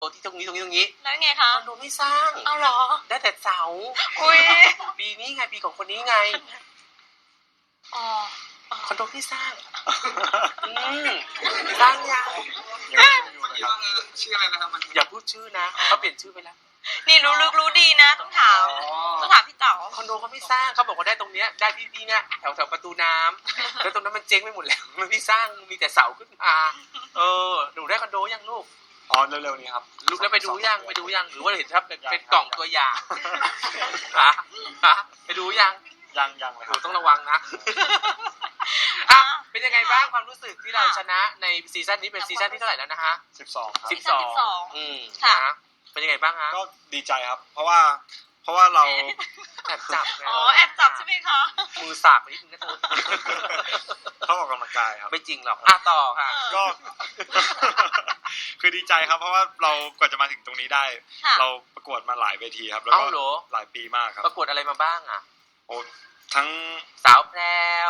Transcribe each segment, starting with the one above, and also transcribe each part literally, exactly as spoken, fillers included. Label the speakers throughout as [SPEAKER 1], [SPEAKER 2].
[SPEAKER 1] ที่ตรงนี้ตรงนี้ตรงนี้
[SPEAKER 2] แล้วไงคะ
[SPEAKER 1] คอนโดไม่สร้าง
[SPEAKER 2] เอาเหรอ
[SPEAKER 1] ได้แต่เสา
[SPEAKER 2] อุ้ย
[SPEAKER 1] ปีนี้ไงปีของคนนี้ไง
[SPEAKER 2] อ๋อ
[SPEAKER 1] คอนโดไม่สร้างอืมสร้างยัง
[SPEAKER 3] ชื่ออะไรนะครับมัน
[SPEAKER 1] อย่าพูดชื่อนะเขาเปลี่ยนชื่อไปแล้ว
[SPEAKER 2] นี่รู้ลึกรู้ดีนะต้องถามต้องถามพี่เต๋า
[SPEAKER 1] คอนโดเขาไม่สร้างเขาบอกว่าได้ตรงเนี้ยได้ที่ที่เนี้ยแถวแถวประตูน้ำแล้วตรงนั้นมันเจ๊งไปหมดแล้วมันไม่สร้างมีแต่เสาขึ้นมาเออหนูได้คอนโดยังลูก
[SPEAKER 3] อ๋อเร็วๆนี้ครับ
[SPEAKER 1] ลูกแล้วไปดูยังไปดูยังหรือว่าเห็นครับเป็นเป็นกล่องตัวอย่างฮะฮะไปดูยัง
[SPEAKER 3] ยังยังเลยครับ
[SPEAKER 1] ต้องระวังนะอ่ะเป็นยังไงบ้างความรู้สึกที่เราชนะในซีซั่นนี้เป็นซีซั่นที่เท่าไหร่แล้วนะฮะ
[SPEAKER 3] สิบสองครับ
[SPEAKER 1] สิบสองอืมนะเป็นยังไงบ้างฮะ
[SPEAKER 3] ก็ดีใจครับเพราะว่าเพราะว่าเรา
[SPEAKER 1] แอบจับ
[SPEAKER 2] อ๋อแอบจับใช่ไหมคะ
[SPEAKER 1] มือสากไปนิดนึงนะเธอ
[SPEAKER 3] เขาออกกำลังกายครับ
[SPEAKER 1] ไม่จริงหรอกอ่ะต่อค่ะ
[SPEAKER 3] ก็คือดีใจครับเพราะว่าเรากว่าจะมาถึงตรงนี้ได้เราประกวดมาหลายเวทีครับแล้วก็หลายปีมากครับ
[SPEAKER 1] ประกวดอะไรมาบ้างอ่ะ
[SPEAKER 3] โอ้ทั้ง
[SPEAKER 1] สาวแพรว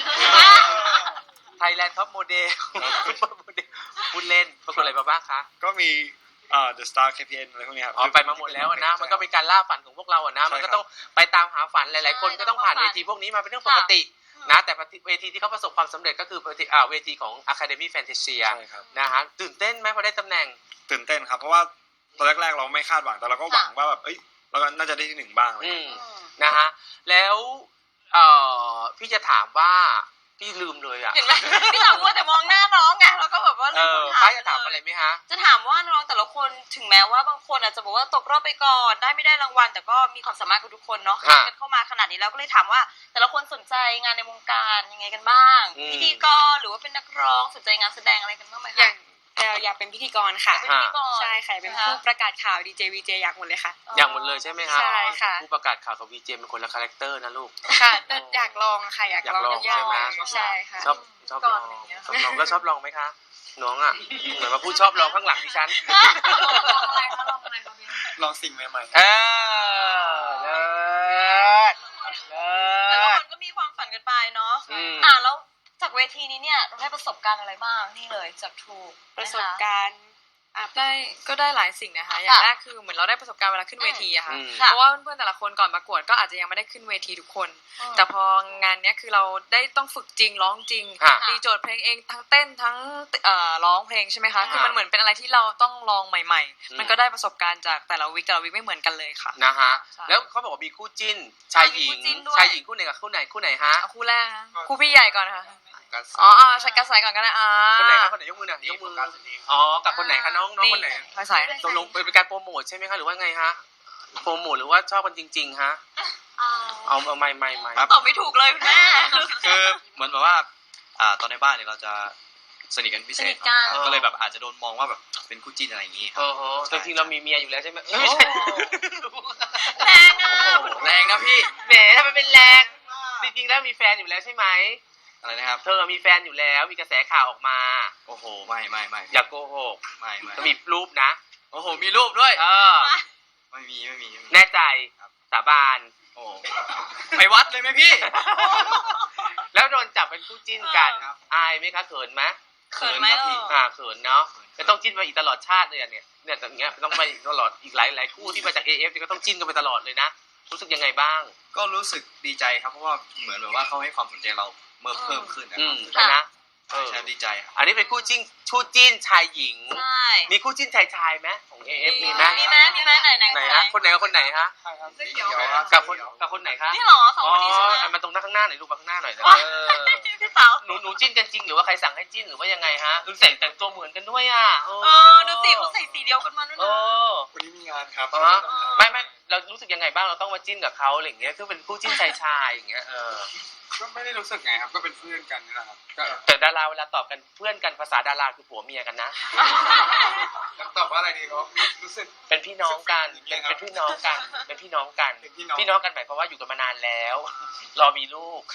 [SPEAKER 1] ไทยแลนด์ท็อปโมเดลพูดเล่นประกวดอะไรมาบ้างคะ
[SPEAKER 3] ก็มีเอ่อ The Star เค พี เอ็น อะไรพวกนี้ครับ
[SPEAKER 1] อ๋อไปมาหมดแล้วนะมันก็เป็นการล่าฝันของพวกเราอ่ะนะมันก็ต้องไปตามหาฝันหลายๆคนก็ต้องผ่านเวทีพวกนี้มาเป็นเรื่องปกตินะแต่เวทีที่เขาประสบความสำเร็จก็คือเวทีอ่าเวทีของ Academy Fantasia นะฮะตื่นเต้นไหมพอได้ตำแหน่ง
[SPEAKER 3] ตื่นเต้นครับเพราะว่าตอนแรกๆเราไม่คาดหวังแต่เราก็หวังว่าแบบเอ้ยเราก็น่าจะได้ที่หนึ่งบ้างเลย
[SPEAKER 1] นะฮะแล้วเอ่อพี่จะถามว่าพี่ลืมเลยอ่ะ
[SPEAKER 2] พี่ถามว่าแต่มองหน้าน้องไงแล้วก็แบบว่าลืมถาม
[SPEAKER 1] จะถามอะไรไหมฮะ
[SPEAKER 2] จะถามว่าน้องแต่ละคนถึงแม้ว่าบางคนอาจจะบอกว่าตกรอบไปก่อนได้ไม่ได้รางวัลแต่ก็มีความสามารถกับทุกคนเนาะกันเข้ามาขนาดนี้แล้วก็เลยถามว่าแต่ละคนสนใจงานในวงการยังไงกันบ้างพิธีกรหรือว่าเป็นนักร้องสนใจงานแสดงอะไรกันบ้างไหมคะ
[SPEAKER 4] อยากเป็นพิธีกรค่ะใช่ค่ะเป็นผู้ประกาศข่าวดีเจวีเจอยากหมดเลยค่ะ
[SPEAKER 1] อยากหมดเลยใช่ไหมคะ
[SPEAKER 4] ใช่ค่ะ
[SPEAKER 1] ผู้ประกาศข่าวกับวีเจเป็นคนละคาแรคเตอร์นะลูก
[SPEAKER 4] ค่ะแต่อยากลองค่ะอยากลอง
[SPEAKER 1] ใช่ไหม
[SPEAKER 4] ใช่ค่ะ
[SPEAKER 1] ชอบชอบลองชอบลองแล้วชอบลองไหมคะน้องอ่ะเหมือนมาพูดชอบลองข้างหลังดิฉัน
[SPEAKER 2] ลองอะไรคะลองอะไร
[SPEAKER 3] ลองสิ่งใหม่
[SPEAKER 1] ๆเออเลิศเลิศ
[SPEAKER 2] แต่ละคนก็มีความฝันกันไปเนาะอ่าแล้วจากเวทีนี้เนี่ยเราได้ประสบการณ์อะไรบ้างนี่เลยจากทู
[SPEAKER 4] ประสบการณ์ได้ก็ได้หลายสิ่งนะคะอย่างแรกคือเหมือนเราได้ประสบการณ์เวลาขึ้นเวทีอะค่ะเพราะว่าเพื่อนๆแต่ละคนก่อนประกวดก็อาจจะยังไม่ได้ขึ้นเวทีทุกคนแต่พองานนี้คือเราได้ต้องฝึกจริงร้องจริงตีโจทย์เพลงเองทั้งเต้นทั้งร้องเพลงใช่ไหมคะคือมันเหมือนเป็นอะไรที่เราต้องลองใหม่ๆมันก็ได้ประสบการณ์จากแต่ละวิคแต่ละวิคไม่เหมือนกันเลยค่ะ
[SPEAKER 1] นะฮะแล้วเขาบอกว่ามีคู่จิ้นชายหญิงชายหญิงคู่ไหนกับคู่ไหนคู่ไหนฮะ
[SPEAKER 4] คู่แรกคู่พี่ใหญ่ก่อนค่ะอ๋อใช้กระสายก่อนก็ได้อ่า
[SPEAKER 1] คนไหนครับคนไหนยกมือหน่อยยกมืออ๋อกับคนไหนคะน้องน้องคนไหน
[SPEAKER 4] กระสาย
[SPEAKER 1] ตกลงเป็นการโปรโมทใช่ไหมคะหรือว่าไงฮะโปรโมทหรือว่าชอบกันจริงๆฮะเอาเอาไม่ไม่ไม่
[SPEAKER 2] ตอบไม่ถูกเลยคุณแม่
[SPEAKER 5] คือเหมือนแบบว่าอ่าตอนในบ้านเนี่ยเราจะสนิทกันพิเศษก็เลยแบบอาจจะโดนมองว่าแบบเป็นคู่จิ้นอะไรอย่างงี้
[SPEAKER 1] เออจริงๆเรามีเมียอยู่แล้วใช่ไหมไม่ใช่
[SPEAKER 2] แรงอ่ะ
[SPEAKER 1] แรงนะพี่แหมทำไมเป็นแรงจริงๆแล้วมีแฟนอยู่แล้วใช่ไหม
[SPEAKER 5] อะไรนะครับ
[SPEAKER 1] เธอมีแฟนอยู่แล้วมีกระแสข่าวออกมา
[SPEAKER 5] โอ้โหไม่ไม่ไม่
[SPEAKER 1] อย่าโกหก
[SPEAKER 5] ไม่ไม่
[SPEAKER 1] มีรูปนะ
[SPEAKER 5] โอ้โหมีรูปด้วย
[SPEAKER 1] เออ
[SPEAKER 5] ไม่มีไม่มี
[SPEAKER 1] แน่ใจสาบาน
[SPEAKER 5] โอ้ไปวัดเลยไหมพี่
[SPEAKER 1] แล้วโดนจับเป็นคู่จิ้นกันอายไหมคะเขินไหม
[SPEAKER 2] เขินไหม
[SPEAKER 1] อ่าเขินเนาะจะต้องจิ้นไปอีกตลอดชาติเลยเนี่ยเนี่ยอย่างเงี้ยต้องไปตลอดอีกหลายหลายคู่ที่มาจาก เอ เอฟ ก็ต้องจิ้นกันไปตลอดเลยนะรู้สึกยังไงบ้าง
[SPEAKER 5] ก็รู้สึกดีใจครับเพราะว่าเหมือนแบบว่าเขาให้ความสนใจเราเมื่อเพิ่มขึ้นนะ
[SPEAKER 1] ครับนะ
[SPEAKER 5] เออดีใจครับ
[SPEAKER 1] อันนี้เป็นคู่จิ้นคู่จิ้นชายหญิง
[SPEAKER 2] ใช่
[SPEAKER 1] มีคู่จิ้นชายชายไหมของ เอ เอฟ มีไหม
[SPEAKER 2] มีไหมมีไหมไหนไหน
[SPEAKER 1] ไหนฮะคนไหนกับคนไหนฮะกับคนกับคนไหนคะ
[SPEAKER 2] นี่หรอสองคนนี้ใช่ไหม
[SPEAKER 1] มันตรงหน้าข้างหน้าหน่อยลูกมาข้างหน้าหน่อย
[SPEAKER 2] เออพี่เต๋า
[SPEAKER 1] หนูหนูจิ้นกันจริงหรือว่าใครสั่งให้จิ้นหรือว่ายังไงฮะดูใส่แต่งตัวเหมือนกันด้วยอ่ะ
[SPEAKER 2] เออดูสิเขาใส่สีเดียวกันมาด้วยนะ
[SPEAKER 3] วันนี้มีงานครับ
[SPEAKER 1] ไม่ไม่เรารู้สึกยังไงบ้างเราต้องมาจิ้นกับเขาอะไรอย่างเงี้ยคือเป็นคู่จิ้นชายชายอย่างเงี้ยเออ
[SPEAKER 3] ก็ไม่ได้รู้สึกไงครับก็เป็นเพื่อนกันนี่แหละครับ
[SPEAKER 1] แต่ดาราเวลาตอบกันเพื่อนกันภาษาดาราคือผัวเมียกันนะ
[SPEAKER 3] ตอบว่าอะไรดีครับรู้สึก
[SPEAKER 1] เป็นพี่น้องกันเป็นพี่น้องกันเป็นพี่น้องกันพี่น้องกันหมายความว่าอยู่กันมานานแล้วรอมีลูก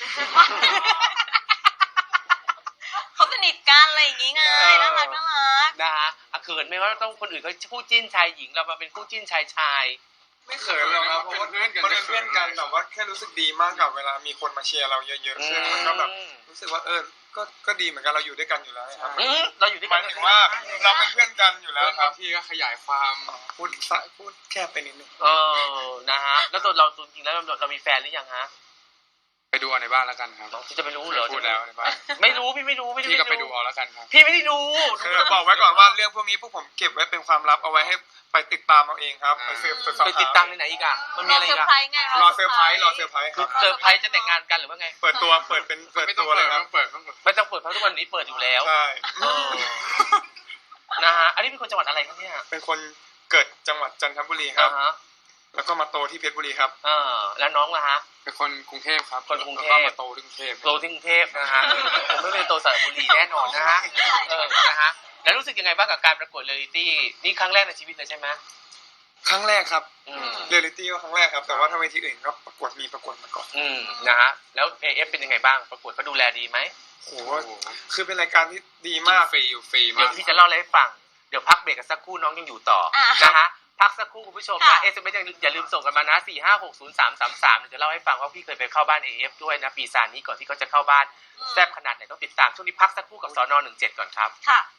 [SPEAKER 2] เขาสนิทกันอะไรอย่างงี้ไงน่ารักน่ารัก
[SPEAKER 1] นะฮะเขินไหมว่าต้องคนอื่นเขาคู่จิ้นชายหญิงเรามาเป็นคู่จิ้นชายชาย
[SPEAKER 3] ไม่เขินหรอกครับเพราะว่าเพื่อนกันเป็นเพื่อนกันแต่ว่าแค่รู้สึกดีมากกับเวลามีคนมาเชียร์เราเยอะๆซึ่งมันก็แบบรู้สึกว่าเออ
[SPEAKER 6] ก็ก็ดีเหมือนกันเราอยู่ด้วยกันอยู่แล้วครับ
[SPEAKER 1] อืมเราอยู่ด้วย
[SPEAKER 6] ห
[SPEAKER 1] กั
[SPEAKER 6] มาน ยถึงว่าเราเป็นเพื่อนกันอยู่แล้วครับ
[SPEAKER 3] บางทีก็ขยายความ
[SPEAKER 6] พูดสะพูดแคบไปนิดนึง
[SPEAKER 1] เออนะฮะแล้วตัวเราจริงๆแล้วเราเรามีแฟนหรือยังฮะ
[SPEAKER 3] ไปดูเอาในบ้านแล้วกันครับ
[SPEAKER 1] ที่จะไปรู้เหรอ
[SPEAKER 3] พูดแล้วในบ้าน
[SPEAKER 1] ไม่รู้พี่ไม่รู้พี่
[SPEAKER 3] พี่ก็ไปดูเอาแล้วกันครับ
[SPEAKER 1] พี่ไม่ได้ดู
[SPEAKER 6] คือบอกไว้ก่อนว่าเรื่องพวกนี้พวกผมเก็บไว้เป็นความลับเอาไว้ให้ไปติดตามเอาเองครับไปสืบสอบ
[SPEAKER 1] ไปติดตามในไหนอีกอ่ะมันมี
[SPEAKER 2] รอ
[SPEAKER 1] อะไร
[SPEAKER 2] เซอ
[SPEAKER 1] อีก
[SPEAKER 2] ร์
[SPEAKER 1] อ่ะ
[SPEAKER 2] ไพรส์ไง
[SPEAKER 6] รอเซอร์ไพรส์รอเซอร์ไพรส์ค
[SPEAKER 1] คื
[SPEAKER 6] รั
[SPEAKER 1] อบ เซอร์ไพรส์จะแต่งงานกันหรือว่าไง
[SPEAKER 6] เปิดตัวเปิดเป็นเปิด
[SPEAKER 3] ไม่ต้อ
[SPEAKER 6] ตั
[SPEAKER 3] ง
[SPEAKER 6] วเล
[SPEAKER 3] เปิ
[SPEAKER 6] ย
[SPEAKER 3] ด
[SPEAKER 6] ครับ
[SPEAKER 3] ต้องเปิดต้องเปิด
[SPEAKER 1] ไม่ต้องเปิดเพราะทุกวันนี้เปิดอยู่แล้ว
[SPEAKER 6] ใช่
[SPEAKER 1] เออนะฮะอันนี้เป็นคนจังหวัดอะไรครับเนี่ย
[SPEAKER 6] เป็นคนเกิดจังหวัดจันทบุรีครั
[SPEAKER 1] อ่า
[SPEAKER 6] บ
[SPEAKER 1] ฮะ
[SPEAKER 6] แล้วก็มาโตที่เพชรบุรีครับ
[SPEAKER 1] เออแล้วน้องล่ะฮะ
[SPEAKER 3] เป็นคนกรุงเทพครับ
[SPEAKER 1] คนกรุงเทพ
[SPEAKER 3] แล้วก็มาโตที่กรุงเทพ
[SPEAKER 1] โตที่กรุงเทพนะฮะผมไม่เป็นโตสระบุรีแน่นอนนะฮะเออนะฮะแล้วรู้สึกยังไงบ้างกับการประกวดเรียลลิตี้นี่ครั้งแรกในชีวิตเลยใช่ไหม
[SPEAKER 6] ครั้งแรกครับ
[SPEAKER 1] อืม
[SPEAKER 6] เรียลลิตี้ก็ครั้งแรกครับ แต่ว่าถ้าเวทีอื่นก็ประกวดมีประกวดมาก่อน
[SPEAKER 1] อืมนะฮะแล้ว เอ เอฟ เป็นยังไงบ้างประกวดเขาดูแลดีไหม
[SPEAKER 6] โหคือเป็นรายการที่ดีมาก
[SPEAKER 3] ฟรีอยู่ฟรี
[SPEAKER 1] เดี๋ย
[SPEAKER 3] มาว ก
[SPEAKER 1] พี่จะเล่าอะไรให้ฟังเดี๋ยวพักเบรกกันสักครู่น้องยังอยู่ต่อ
[SPEAKER 2] อ่ะ
[SPEAKER 1] นะฮะพักสักครู่คุณผู้ชมนะ
[SPEAKER 2] ค่ะ
[SPEAKER 1] เอสเอ็มเอสอย่าลืมส่งกันมานะสี่ห้าหกศูนย์สามสามสามเดี๋ยวจะเล่าให้ฟังว่าพี่เคยไปเข้าบ้าน เอ เอฟ ด้วยนะปีซานนี้ก่อนที่เขาจะเข้าบ้านแซ่บขนาดไหนต้องติดตามช่วงนี้พักสักครู่กับสนหนึ่งเจ็ดก่อนครับ
[SPEAKER 2] ค่ะ